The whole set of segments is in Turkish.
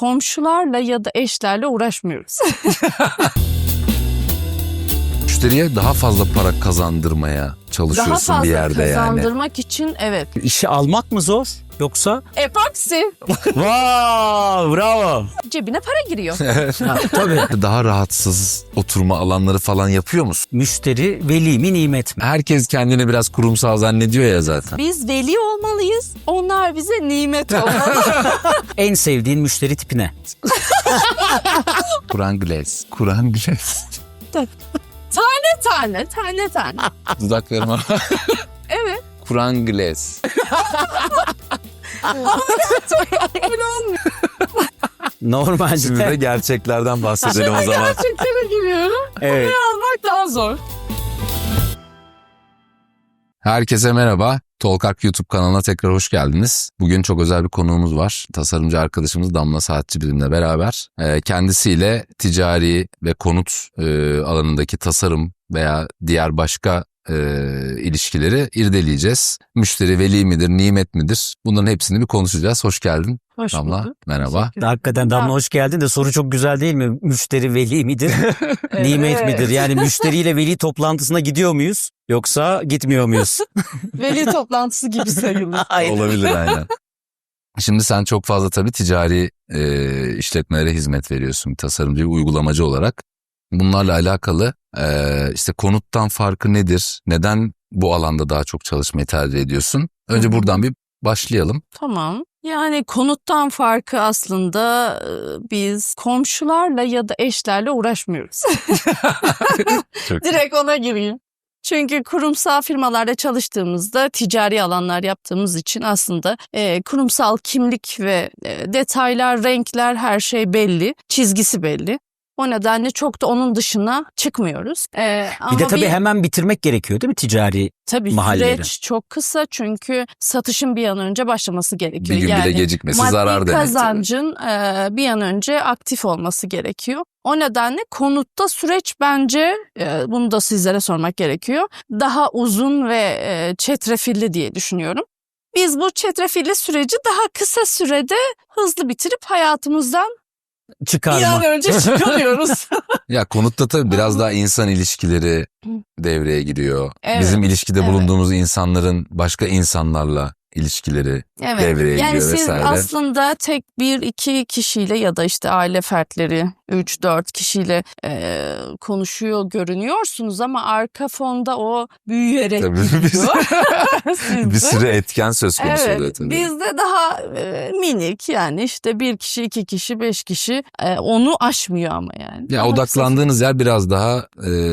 komşularla ya da eşlerle uğraşmıyoruz. Müşteriye daha fazla para kazandırmaya çalışıyorsun Daha fazla bir yerde yani. kazandırmak için evet. İşi almak mı zor yoksa? Epoksi Wow, bravo. cebine para giriyor. Ha, tabii. Daha rahatsız oturma alanları falan yapıyor musun? Müşteri veli mi nimet mi? Herkes kendini biraz kurumsal zannediyor ya zaten. Biz veli olmalıyız. Onlar bize nimet olmalı. En sevdiğin müşteri tipi ne? Kur'an Glass. Kur'an Glass. tane. Dudaklarıma. Evet. Kur'an Glass. Öyle olmuyor. Şimdi de Normalde. gerçeklerden bahsedelim o zaman. Gerçeklere giriyorum. Evet. Almak daha zor. Herkese merhaba. Tolkak YouTube kanalına tekrar hoş geldiniz. Bugün çok özel bir konuğumuz var. Tasarımcı arkadaşımız Damla Saatçi bizimle beraber. Kendisiyle ticari ve konut alanındaki tasarım veya diğer başka ilişkileri irdeleyeceğiz. Müşteri veli midir, nimet midir? Bunların hepsini bir konuşacağız. Hoş geldin Hoş Damla. bulduk. Merhaba. Hakikaten Damla hoş geldin de soru çok güzel değil mi? Müşteri veli midir, nimet Evet. midir? Yani müşteriyle veli toplantısına gidiyor muyuz yoksa gitmiyor muyuz? Veli toplantısı gibi sayılır. Olabilir aynen. Şimdi sen çok fazla tabii ticari işletmelere hizmet veriyorsun bir tasarımcı, bir uygulamacı olarak. Bunlarla alakalı işte konuttan farkı nedir? Neden bu alanda daha çok çalışmayı tercih ediyorsun? Önce buradan bir başlayalım. Tamam. Yani konuttan farkı aslında biz komşularla ya da eşlerle uğraşmıyoruz. Çok Direkt ona gireyim. Çünkü kurumsal firmalarda çalıştığımızda ticari alanlar yaptığımız için aslında kurumsal kimlik ve detaylar, renkler her şey belli, çizgisi belli. O nedenle çok da onun dışına çıkmıyoruz. Bir de tabii hemen bitirmek gerekiyor değil mi ticari? Tabii mahalleleri. süreç çok kısa çünkü satışın bir an önce başlaması gerekiyor. Bir gün bile gecikmesi zarar maddi demek. kazancın bir an önce aktif olması gerekiyor. O nedenle konutta süreç bence bunu da sizlere sormak gerekiyor. Daha uzun ve çetrefilli diye düşünüyorum. Biz bu çetrefilli süreci daha kısa sürede hızlı bitirip hayatımızdan bir Çıkarma. an önce çıkarıyoruz. Ya konutta tabii biraz daha insan ilişkileri devreye giriyor. Evet, Bizim ilişkide evet. bulunduğumuz insanların başka insanlarla ilişkileri devreye yani giriyor siz vesaire. aslında tek bir iki kişiyle ya da işte aile fertleri 3-4 kişiyle konuşuyor görünüyorsunuz ama arka fonda o büyüyerek Tabii gidiyor. bir Sizde. sürü etken söz konusu oluyor Evet, tabii. bizde daha minik yani işte bir kişi, iki kişi, 5 kişi onu aşmıyor ama yani. Ya Daha odaklandığınız yer biraz daha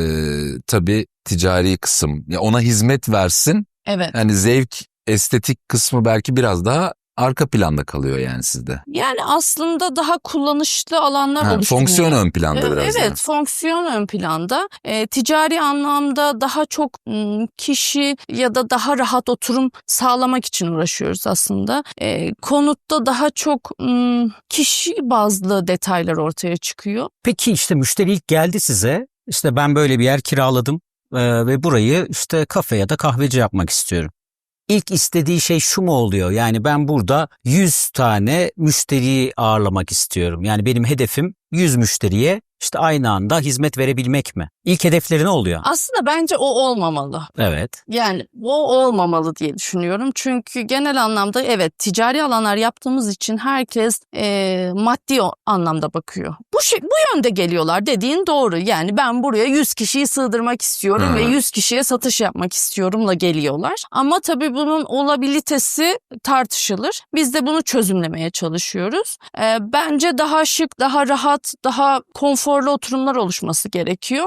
tabii ticari kısım. Ya ona hizmet versin. Evet. Yani zevk, estetik kısmı belki biraz daha arka planda kalıyor yani sizde. Yani aslında daha kullanışlı alanlar Ha, oluşturuyor. fonksiyon ön planda biraz Evet, daha. fonksiyon ön planda. Ticari anlamda daha çok kişi ya da daha rahat oturum sağlamak için uğraşıyoruz aslında. Konutta daha çok kişi bazlı detaylar ortaya çıkıyor. Peki işte müşteri ilk geldi size. İşte ben böyle bir yer kiraladım ve burayı işte kafe ya da kahveci yapmak istiyorum. İlk istediği şey şu mu oluyor? Yani ben burada 100 tane müşteriyi ağırlamak istiyorum. Yani benim hedefim 100 müşteriye işte aynı anda hizmet verebilmek mi? İlk hedefleri ne oluyor? Aslında bence o olmamalı. Evet. Yani o olmamalı diye düşünüyorum. Çünkü genel anlamda evet ticari alanlar yaptığımız için herkes maddi anlamda bakıyor. Bu yönde geliyorlar dediğin doğru. Yani ben buraya 100 kişiyi sığdırmak istiyorum ve 100 kişiye satış yapmak istiyorumla geliyorlar. Ama tabii bunun olabilitesi tartışılır. Biz de bunu çözümlemeye çalışıyoruz. Bence daha şık, daha rahat, daha konforlu oturumlar oluşması gerekiyor.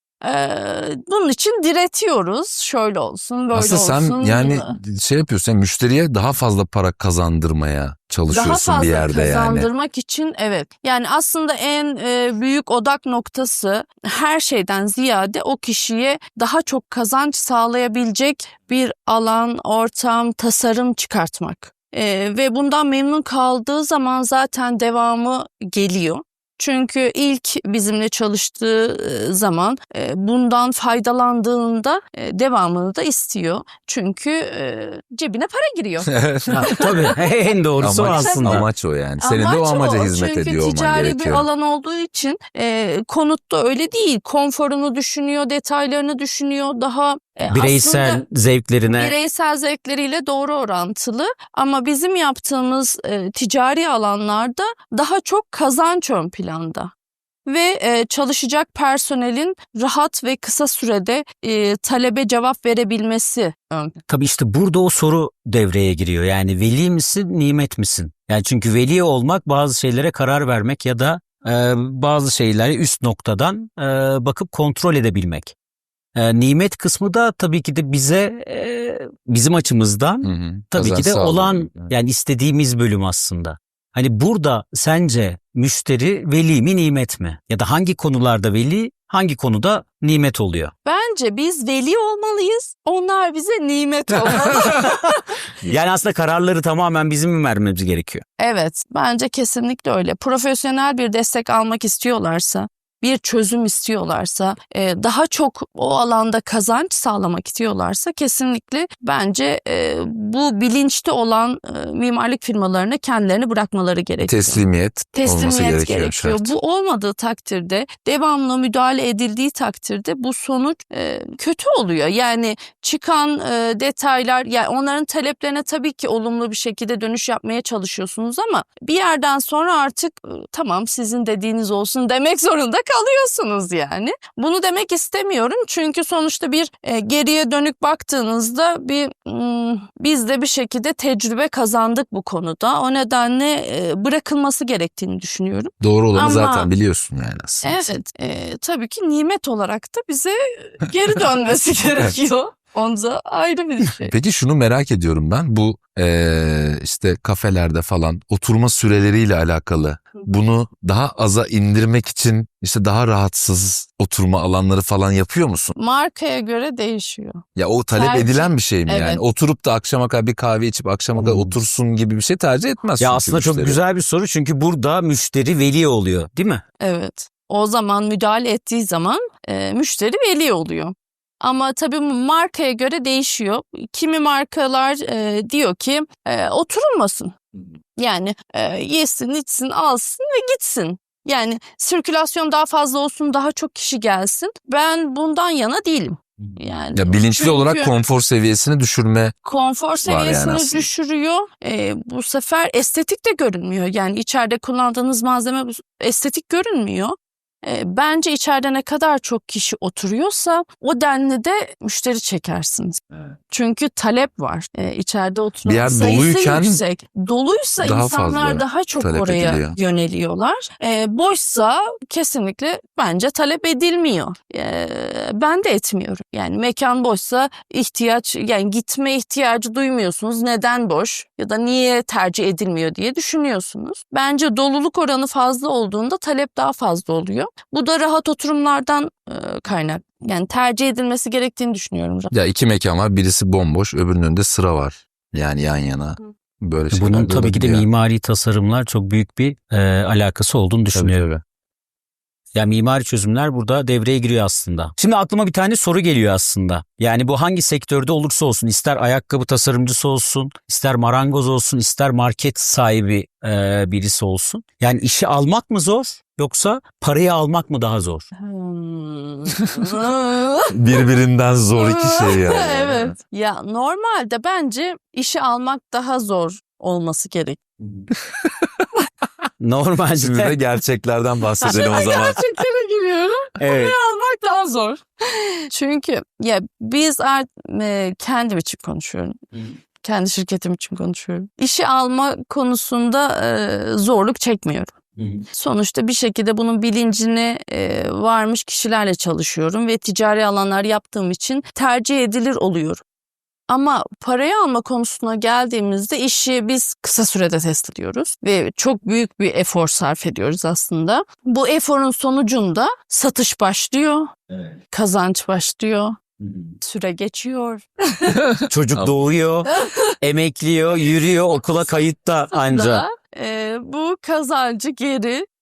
Bunun için diretiyoruz. Şöyle olsun, böyle Aslında sen olsun. yani şey yapıyorsun, yani müşteriye daha fazla para kazandırmaya Daha çalışıyorsun fazla bir yerde yani. kazandırmak için evet. Yani aslında en büyük odak noktası her şeyden ziyade o kişiye daha çok kazanç sağlayabilecek bir alan, ortam, tasarım çıkartmak. Ve bundan memnun kaldığı zaman zaten devamı geliyor. Çünkü ilk bizimle çalıştığı zaman bundan faydalandığında devamını da istiyor. Çünkü cebine para giriyor. Ha, tabii en doğrusu o aslında. Amaç o yani. Senin de o amaca hizmet ediyor olman Çünkü ticari bir gerekiyor. alan olduğu için konutta öyle değil. Konforunu düşünüyor, detaylarını düşünüyor. Daha Bireysel aslında zevklerine bireysel zevkleriyle doğru orantılı. Ama bizim yaptığımız ticari alanlarda daha çok kazanç ön planda. Ve çalışacak personelin rahat ve kısa sürede talebe cevap verebilmesi ön. tabii işte burada o soru devreye giriyor. Yani veli misin, nimet misin? Yani çünkü veli olmak bazı şeylere karar vermek ya da bazı şeyleri üst noktadan bakıp kontrol edebilmek. Nimet kısmı da tabii ki de bize bizim açımızdan Hı hı. tabii ki Kazanç de sağlıyor. olan Evet. yani istediğimiz bölüm aslında. Hani burada sence müşteri veli mi nimet mi? Ya da hangi konularda veli, hangi konuda nimet oluyor? Bence biz veli olmalıyız. Onlar bize nimet olmalı. Yani aslında kararları tamamen bizim mi vermemiz gerekiyor? Evet, bence kesinlikle öyle. Profesyonel bir destek almak istiyorlarsa, bir çözüm istiyorlarsa, daha çok o alanda kazanç sağlamak istiyorlarsa kesinlikle bence bu bilinçli olan mimarlık firmalarına kendilerini bırakmaları gerekiyor. Teslimiyet olması Teslimiyet gerekiyor. Şart. Bu olmadığı takdirde, devamlı müdahale edildiği takdirde bu sonuç kötü oluyor. Yani çıkan detaylar, yani onların taleplerine tabii ki olumlu bir şekilde dönüş yapmaya çalışıyorsunuz ama bir yerden sonra artık tamam sizin dediğiniz olsun demek zorunda kalıyorsunuz yani. Bunu demek istemiyorum çünkü sonuçta bir geriye dönük baktığınızda biz de bir şekilde tecrübe kazandık bu konuda. O nedenle bırakılması gerektiğini düşünüyorum. Doğru olanı Ama- zaten biliyorsun yani aslında. Evet, tabii ki nimet olarak da bize geri dönmesi gerekiyor. Onda ayrı bir şey. Peki şunu merak ediyorum ben. Bu işte kafelerde falan oturma süreleriyle alakalı. Bunu daha aza indirmek için işte daha rahatsız oturma alanları falan yapıyor musun? Markaya göre değişiyor. Ya o talep Tercih. edilen bir şey mi Evet. yani? Oturup da akşama kadar bir kahve içip akşama kadar otursun gibi bir şey tercih etmez. Ya çünkü aslında çok müşteri. güzel bir soru çünkü burada müşteri veli oluyor, değil mi? Evet. O zaman müdahale ettiği zaman müşteri veli oluyor. Ama tabii markaya göre değişiyor. Kimi markalar diyor ki oturulmasın. Yani yesin, içsin, alsın ve gitsin. Yani sirkülasyon daha fazla olsun, daha çok kişi gelsin. Ben bundan yana değilim. Yani Ya bilinçli çünkü olarak konfor seviyesini düşürme. konfor yani seviyesini aslında. düşürüyor. Bu sefer estetik de görünmüyor. Yani içeride kullandığınız malzeme estetik görünmüyor. Bence içeride ne kadar çok kişi oturuyorsa o denli de müşteri çekersiniz. Evet. Çünkü talep var. İçeride oturan Bir yer sayısı doluyken yüksek. Doluysa daha insanlar fazla daha çok talep oraya ediliyor. yöneliyorlar. Boşsa kesinlikle bence talep edilmiyor. Ben de etmiyorum. Yani mekan boşsa yani gitme ihtiyacı duymuyorsunuz. Neden boş ya da niye tercih edilmiyor diye düşünüyorsunuz. Bence doluluk oranı fazla olduğunda talep daha fazla oluyor. Bu da rahat oturumlardan kaynak. Yani tercih edilmesi gerektiğini düşünüyorum. Ya iki mekan var, birisi bomboş, öbürünün önünde sıra var. Yani yan yana. Böyle şeyler Bunun de tabii ki de olabiliyor. mimari tasarımlar çok büyük bir alakası olduğunu düşünüyorum. Tabii. Yani mimari çözümler burada devreye giriyor aslında. Şimdi aklıma bir tane soru geliyor aslında. Yani bu hangi sektörde olursa olsun, ister ayakkabı tasarımcısı olsun, ister marangoz olsun, ister market sahibi birisi olsun. Yani işi almak mı zor yoksa parayı almak mı daha zor? Birbirinden zor iki şey yani. Evet. Ya normalde bence işi almak daha zor olması gerek. Şimdi de Normalde. gerçeklerden bahsedelim o zaman. Gerçeklere giriyorum. Evet. Almak daha zor. Çünkü ya biz kendim için konuşuyorum. Kendi şirketim için konuşuyorum. İşi alma konusunda zorluk çekmiyorum. Sonuçta bir şekilde bunun bilincine varmış kişilerle çalışıyorum ve ticari alanlar yaptığım için tercih edilir oluyorum. Ama parayı alma konusuna geldiğimizde işi biz kısa sürede test ediyoruz ve çok büyük bir efor sarf ediyoruz aslında. Bu eforun sonucunda satış başlıyor, kazanç başlıyor, süre geçiyor. Çocuk doğuyor, emekliyor, yürüyor, okula kayıtta anca. Bu kazancı geri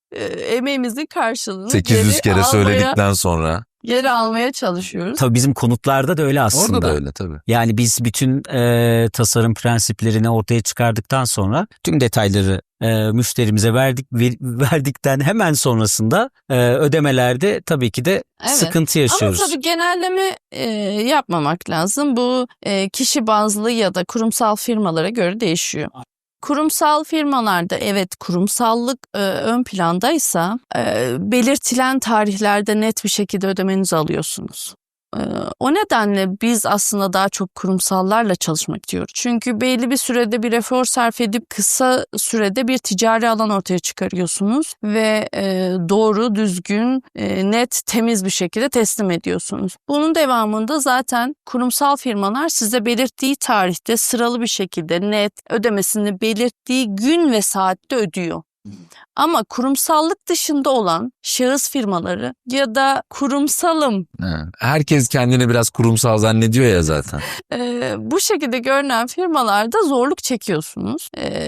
emeğimizin karşılığını 800 kere söyledikten sonra. geri almaya çalışıyoruz. Tabii bizim konutlarda da öyle aslında. Orada da öyle tabii. Yani biz bütün tasarım prensiplerini ortaya çıkardıktan sonra tüm detayları müşterimize verdikten hemen sonrasında ödemelerde tabii ki de Evet. sıkıntı yaşıyoruz. Ama tabii genelleme yapmamak lazım. Bu kişi bazlı ya da kurumsal firmalara göre değişiyor. Kurumsal firmalarda evet kurumsallık ön plandaysa belirtilen tarihlerde net bir şekilde ödemenizi alıyorsunuz. O nedenle biz aslında daha çok kurumsallarla çalışmak diyoruz. Çünkü belli bir sürede bir efor sarf edip kısa sürede bir ticari alan ortaya çıkarıyorsunuz ve doğru, düzgün, net, temiz bir şekilde teslim ediyorsunuz. Bunun devamında zaten kurumsal firmalar size belirttiği tarihte sıralı bir şekilde net ödemesini belirttiği gün ve saatte ödüyor. Ama kurumsallık dışında olan şahıs firmaları ya da kurumsalım Herkes kendini biraz kurumsal zannediyor ya zaten. bu şekilde görünen firmalarda zorluk çekiyorsunuz.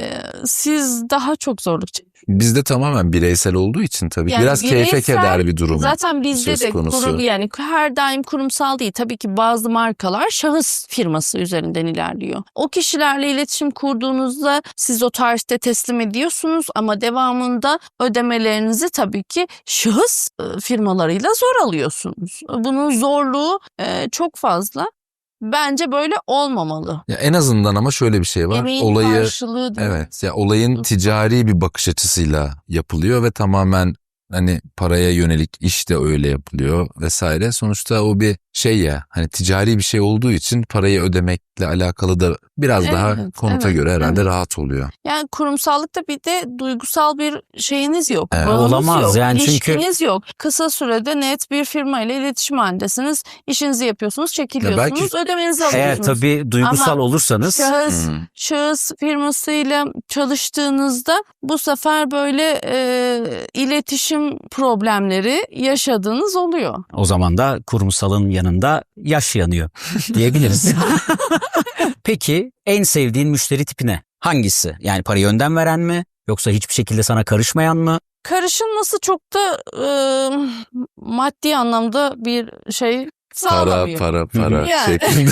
Siz daha çok zorluk çekiyorsunuz. Bizde tamamen bireysel olduğu için tabii Yani biraz keyfe bireysel, keder bir durum. Zaten bizde söz de konusu. yani her daim kurumsal değil. Tabii ki bazı markalar şahıs firması üzerinden ilerliyor. O kişilerle iletişim kurduğunuzda siz o tarihte teslim ediyorsunuz ama devamında ödemelerinizi tabii ki şahıs firmalarıyla zor alıyorsunuz. Bunun zorluğu çok fazla. Bence böyle olmamalı. Ya en azından ama şöyle bir şey var. Emeğin karşılığı da. Evet ya olayın ticari bir bakış açısıyla yapılıyor ve tamamen hani paraya yönelik iş de öyle yapılıyor vesaire. Sonuçta o bir şey ya hani ticari bir şey olduğu için parayı ödemekle alakalı da biraz daha konuta göre herhalde rahat oluyor. Yani kurumsallıkta bir de duygusal bir şeyiniz yok. Evet. Bağınız Olamaz yok, yani çünkü- ilişkiniz yok. Kısa sürede net bir firma ile iletişim halindesiniz. İşinizi yapıyorsunuz, çekiliyorsunuz, ödemenizi Eğer alıyorsunuz. tabii duygusal Ama olursanız şahıs firmasıyla çalıştığınızda bu sefer böyle iletişim problemleri yaşadığınız oluyor. o zaman da kurumsalın yanında yaş yanıyor diyebiliriz. Peki en sevdiğin müşteri tipi ne? Hangisi? Yani parayı önden veren mi? Yoksa hiçbir şekilde sana karışmayan mı? Karışılması çok da maddi anlamda bir şey sağlamıyor. Para Yani. şeklinde.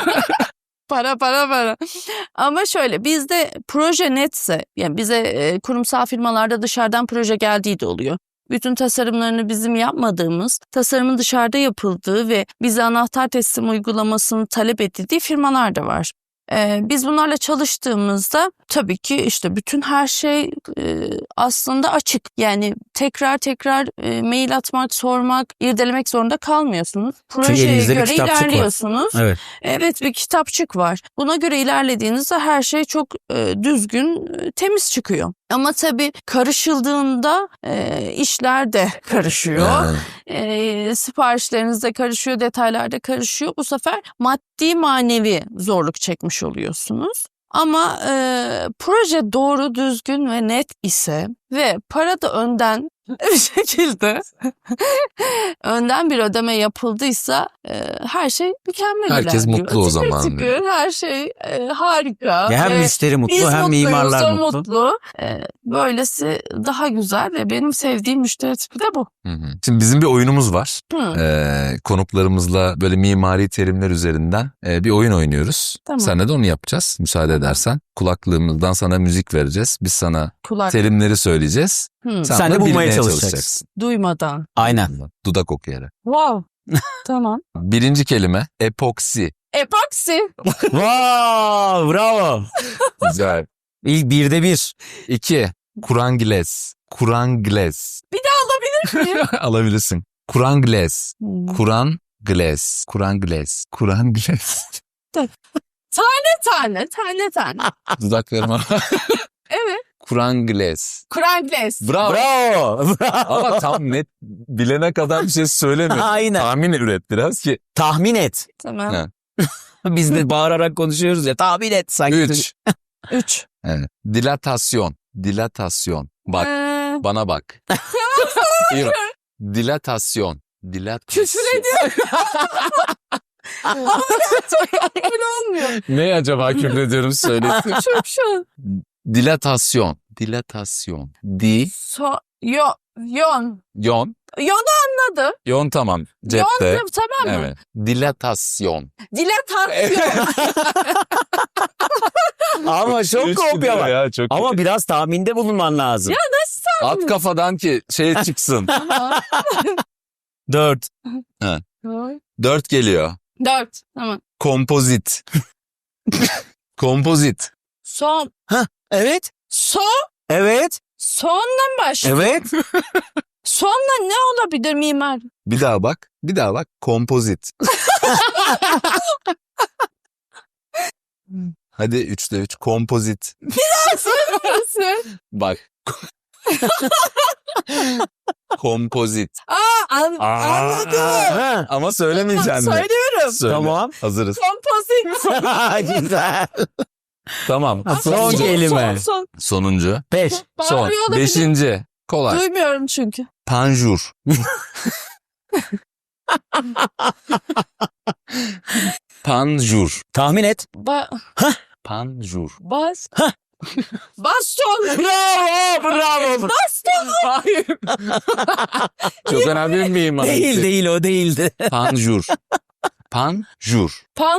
Para. Ama şöyle bizde proje netse yani bize kurumsal firmalarda dışarıdan proje geldiği de oluyor. Bütün tasarımlarını bizim yapmadığımız, tasarımın dışarıda yapıldığı ve bize anahtar teslim uygulamasını talep edildiği firmalar da var. Biz bunlarla çalıştığımızda tabii ki işte bütün her şey aslında açık. Yani tekrar mail atmak, sormak, irdelemek zorunda kalmıyorsunuz. Projeye elinizde bir göre kitapçık var. ilerliyorsunuz. Evet. Evet bir kitapçık var. Buna göre ilerlediğinizde her şey çok düzgün, temiz çıkıyor. Ama tabii karışıldığında işler de karışıyor. Siparişleriniz de karışıyor, detaylar da karışıyor. Bu sefer maddi manevi zorluk çekmiş oluyorsunuz. Ama proje doğru, düzgün ve net ise ve para da önden bir şekilde önden bir ödeme yapıldıysa her şey mükemmel Herkes ilerliyor. mutlu o Tıkır zaman. tıkır, her şey harika. Ya hem müşteri mutlu Biz hem mutluyuz, mimarlar o mutlu. Böylesi daha güzel ve benim sevdiğim müşteri tipi de bu. Şimdi bizim bir oyunumuz var. Hı. Konuklarımızla böyle mimari terimler üzerinden bir oyun oynuyoruz. Tamam. Seninle de onu yapacağız müsaade edersen. Kulaklığımızdan sana müzik vereceğiz. Biz sana Kulak. terimleri söyleyeceğiz. Sen de da bulmaya bilmeye çalışacaksın. Duymadan. Aynen. Dudak okuyarak. Wow. Tamam. Birinci kelime epoksi. Epoksi. Wow, bravo. Güzel. İlk 1'de 1. 2. Kurangles. Kurangles. Bir daha alabilir miyim? Alabilirsin. Kurangles. Kurangles. Kurangles. Kurangles. Tane. Dudaklarıma. Evet. Kurangles. Kurangles. Bravo. Bravo. Ama tam net bilene kadar bir şey söyleme. Aynen. Tahmin üret biraz ki. Tahmin et. Tamam. Ha. Biz de bağırarak konuşuyoruz ya. Tahmin et sanki. 3. 3. Evet. Dilatasyon. Bak bana bak. İyi bak. Dilatasyon. Küfür ediyor. Öyle olmuyor. Ne acaba küfür ediyorum söyle. Şu. Dilatasyon. Di. Yon. Yon. Yonu anladım. Yon tamam. Cepte. Yon tamam mı? Evet. Dilatasyon. Dilatasyon. Ama çok kopya var. Ya, çok Ama biraz tahminde bulunman lazım. Ya nasıl At kafadan ki şey çıksın. 4. 4 geliyor. 4. Tamam. Kompozit. Kompozit. Son. Evet. Evet. Sonla mı başlıyor? Evet. Sonla ne olabilir mimar? Bir daha bak. Bir daha bak. Kompozit. Hadi 3'te 3. Kompozit. Nasıl? Bak. Kompozit. Anladım. Ama söylemeyeceksin. Söylüyorum. Söyle. Tamam. Hazırız. Kompozit. Güzel. Tamam. Son kelime. Son. Sonuncu. 5. Son. Bağırıyor olabilir. 5. Kolay. Duymuyorum çünkü. Panjur. Panjur. Tahmin et. Panjur. Baston. Bravo. Baston. Hayır. Çok önemli bir mimar. Değil o değildi. Panjur. Panjur.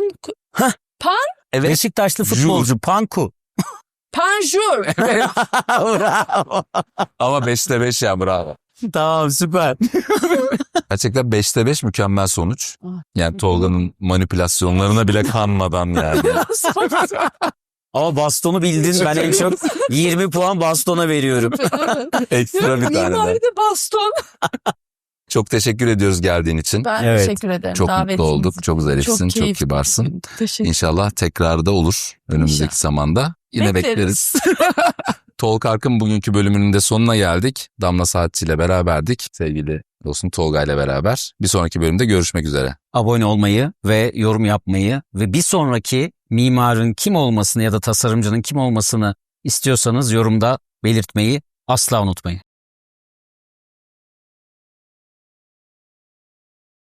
Evet. Beşiktaşlı futbolcu Panku. Panjur. Bravo. Ama 5'te 5 ya, bravo. Tamam, süper. Gerçekten 5'te 5 mükemmel sonuç. Yani Tolga'nın manipülasyonlarına bile kanmadan yani. Ama bastonu bildin. Ben en çok 20 puan bastona veriyorum. Ekstra bir tane daha. Mimaride baston. Çok teşekkür ediyoruz geldiğin için. Ben Evet. teşekkür ederim. Çok davetiniz mutlu olduk. Çok zarifsin, çok keyifli. kibarsın. Teşekkür İnşallah tekrarı da olur önümüzdeki İnşallah. zamanda. Yine bekleriz. Talk Ark'ın bugünkü bölümünün de sonuna geldik. Damla Saatçi ile beraberdik. Sevgili dostum Tolga ile beraber. Bir sonraki bölümde görüşmek üzere. Abone olmayı ve yorum yapmayı ve bir sonraki mimarın kim olmasını ya da tasarımcının kim olmasını istiyorsanız yorumda belirtmeyi asla unutmayın.